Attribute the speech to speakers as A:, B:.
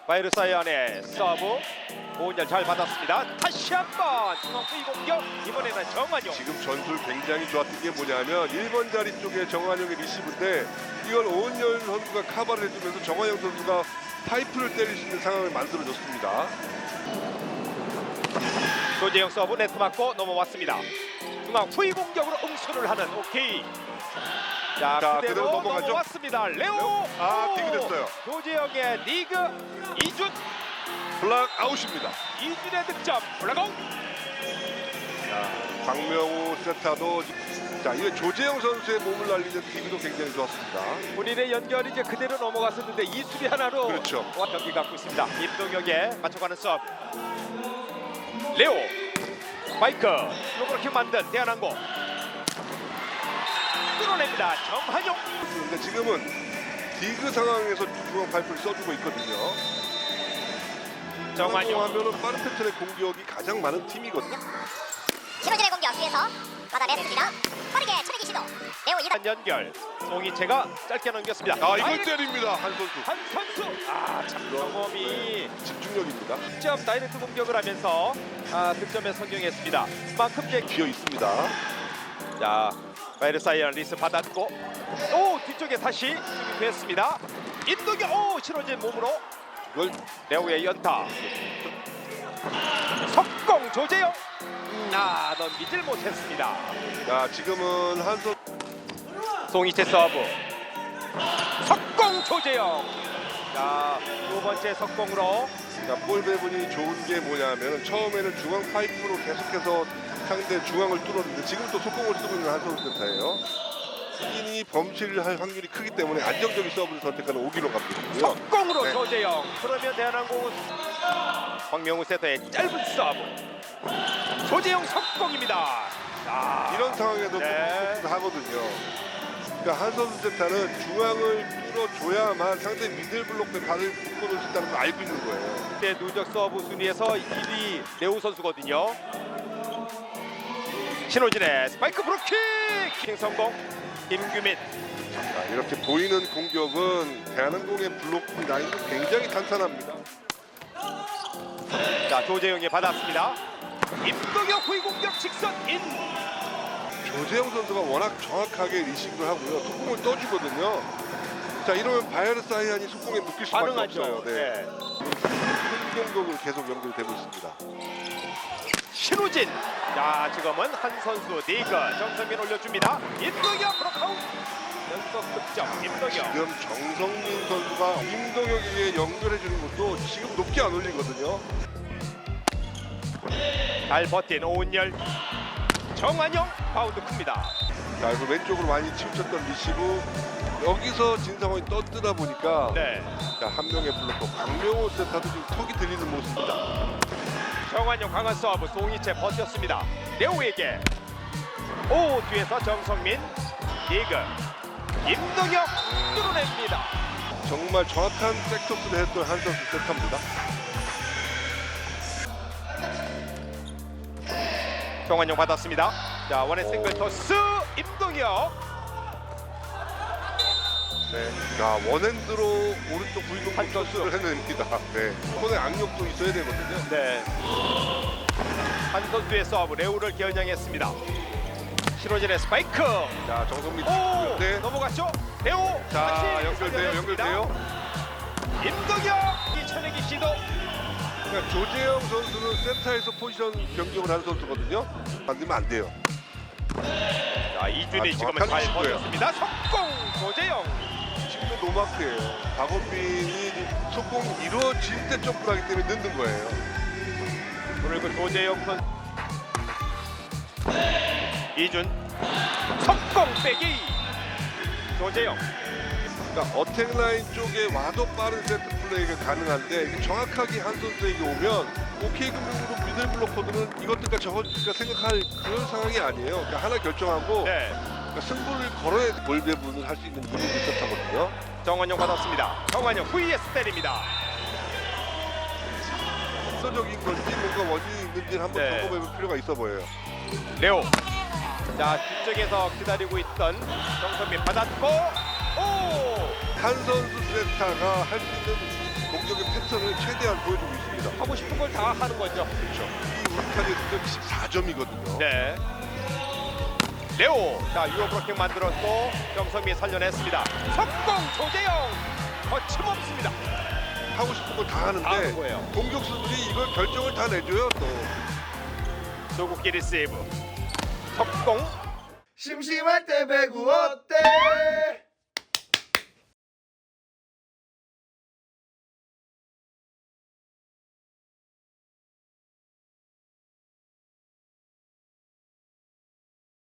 A: 바이르사이안의 서브 오은열 잘 받았습니다. 다시 한번 중앙수비 공격. 이번에는 정한용.
B: 지금 전술 굉장히 좋았던 게 뭐냐면 1번 자리 쪽에 정한용의 리시브인데 이걸 오은열 선수가 카바를 해주면서 정한용 선수가 파이프를 때릴 수 있는 상황을 만들어줬습니다.
A: 조재영 서브 네트 맞고 넘어왔습니다. 중앙 후위 공격으로 응수를 하는 오케이. 자, 그대로
B: 넘어가죠.
A: 넘어왔습니다. 레오.
B: 디그됐어요.
A: 조재영의 리그 이준.
B: 블락 아웃입니다.
A: 이준의 득점. 블락아웃.
B: 박명우 세타도 이게 조재영 선수의 몸을 날리는 디그도 굉장히 좋았습니다.
A: 본인의 연결이 이제 그대로 넘어갔었는데 이 수비 하나로
B: 그렇죠.
A: 경기 갖고 있습니다. 임동혁에 맞춰가는 서브. 레오. 마이크. 로그렇게 만든 대한항공. 뚫어냅니다. 정한용.
B: 근데 지금은 디그 상황에서 중앙 파이프를 써주고 있거든요.
A: 정한용.
B: 하면은 빠른 패턴의 공격이 가장 많은 팀이거든요.
C: 신호진의 공격 뒤에서 받아냈습니다. 빠르게 천내기 시도. 레오 2단
A: 연결. 송이채가 짧게 넘겼습니다.
B: 이걸 때립니다. 한 선수.
A: 한 선수. 참 경험이
B: 집중력입니다.
A: 직접 다이렉트 공격을 하면서 득점에 성공했습니다. 그만큼 이제
B: 비어 있습니다.
A: 자, 바이르사이안 리스 받았고 오 뒤쪽에 다시 수비했습니다. 임동혁 오 신호진 몸으로
B: 이걸
A: 레오의 연타. 석공 조재영. 넘기질 못했습니다.
B: 지금은 한 선수
A: 송이채 서브. 석공 조재영. 두 번째 석공으로
B: 볼 배분이 좋은 게 뭐냐면 처음에는 중앙 파이프로 계속해서 상대 중앙을 뚫었는데 지금 또 속공을 쓰고 있는 한선수 센터예요. 흑인이 범실을 할 확률이 크기 때문에 안정적인 서브를 선택하는 오기로 갑니다.
A: 석공으로
B: 네.
A: 조재영. 그러면 대한항공은 박명우 세터의 짧은 서브. 조재영 석공입니다.
B: 이런 상황에도
A: 네.
B: 속공을 하거든요. 그러니까 한선수 센터는 중앙을 뚫어줘야만 상대 미들 블록에 발을 묶어놓을 수 있다는 걸 알고 있는 거예요.
A: 네, 누적 서브 순위에서 1위 레오 선수거든요. 신호진의 스파이크 브로킹 킹 성공. 김규민.
B: 이렇게 보이는 공격은 대한항공의 블록 라인도 굉장히 탄탄합니다.
A: 자, 조재영이 받았습니다. 임동혁 후위 공격 직선 인.
B: 조재영 선수가 워낙 정확하게 리시브를 하고요. 속공을 떠주거든요. 자, 이러면 바이르사이안이 속공에 묶일 수밖에
A: 반응하죠.
B: 없어요.
A: 네.
B: 공격으로 계속 연결되고 있습니다.
A: 신호진. 자, 지금은 한 선수 리그 정성민 올려줍니다. 임동혁 브로카웃. 연속 득점. 임동혁.
B: 지금 정성민 선수가 임동혁에게 연결해주는 것도 지금 높게 안 올리거든요.
A: 잘 버틴 오은열. 정한용 바운드 큽니다.
B: 자, 그래서 왼쪽으로 많이 치우쳤던 리시브 여기서 진상원이 떴뜨다 보니까
A: 네.
B: 자, 한 명의 블록커 박명호 세타도 지금 턱이 들리는 모습입니다.
A: 정한용 강한 서브. 송이채 버텼습니다. 레오에게. 오 뒤에서 정성민. 리그. 임동혁 뚫어냅니다.
B: 정말 정확한 백토스를 했던 한 선수 세타입니다.
A: 정한용 받았습니다. 자, 원의 싱글 토스. 임동혁.
B: 네. 자, 원핸드로 오른쪽 부위공
A: 한
B: 토스를 해냅니다. 네. 손에 악력도 있어야 되거든요.
A: 네. 한 선수의 서브. 레오를 겨냥했습니다. 신호진의 스파이크.
B: 자, 정성민
A: 오
B: 네.
A: 넘어갔죠. 레오.
B: 자,
A: 다시
B: 연결돼요.
A: 살려냈습니다.
B: 연결돼요.
A: 임동혁 이 천내기 시도.
B: 그러니까 조재영 선수는 센터에서 포지션 변경을 한 선수거든요. 만들면 안 돼요.
A: 자, 이준이 지금은
B: 정확한
A: 잘
B: 위치고요.
A: 버텼습니다. 석공 조재영.
B: 지금도 노마크예요. 박원빈이 속공이 이루어질 때 점프를 하기 때문에 늦는 거예요.
A: 그리고 조재영 선. 이준. 석공 빼기. 조재영.
B: 그러니까 어택 라인 쪽에 와도 빠른 세트 플레이가 가능한데 이게 정확하게 한 선수에게 오면 오케이 금융으로 미들 블로커들은 이것들까 저것들까 생각할 그런 상황이 아니에요. 그러니까 하나 결정하고
A: 네.
B: 그러니까 승부를 걸어야 볼 배분을 할 수 있는 이유가 있었다거든요.
A: 정한용 받았습니다. 정한용 후위에서 때립니다.
B: 속도적인 건지 뭔가 원인이 있는지 한번
A: 네.
B: 점검해볼 필요가 있어 보여요.
A: 레오. 자, 뒤쪽에서 기다리고 있던 정선민 받았고 오.
B: 한 선수 세타가 할 수 있는 공격의 패턴을 최대한 보여주고 있습니다.
A: 하고 싶은 걸 다 하는 거죠.
B: 그렇죠. 이 울타리의 득점 24점이거든요.
A: 네. 레오. 자, 유어 브로킹 만들었고 정성미 살려냈습니다. 석공 조재영. 거침없습니다.
B: 하고 싶은 걸 다
A: 다 하는
B: 하는데
A: 거예요.
B: 공격수들이 이걸 결정을 다 내줘요. 또
A: 조국기 리세이브. 석공.
D: 심심할 때 배구 어때?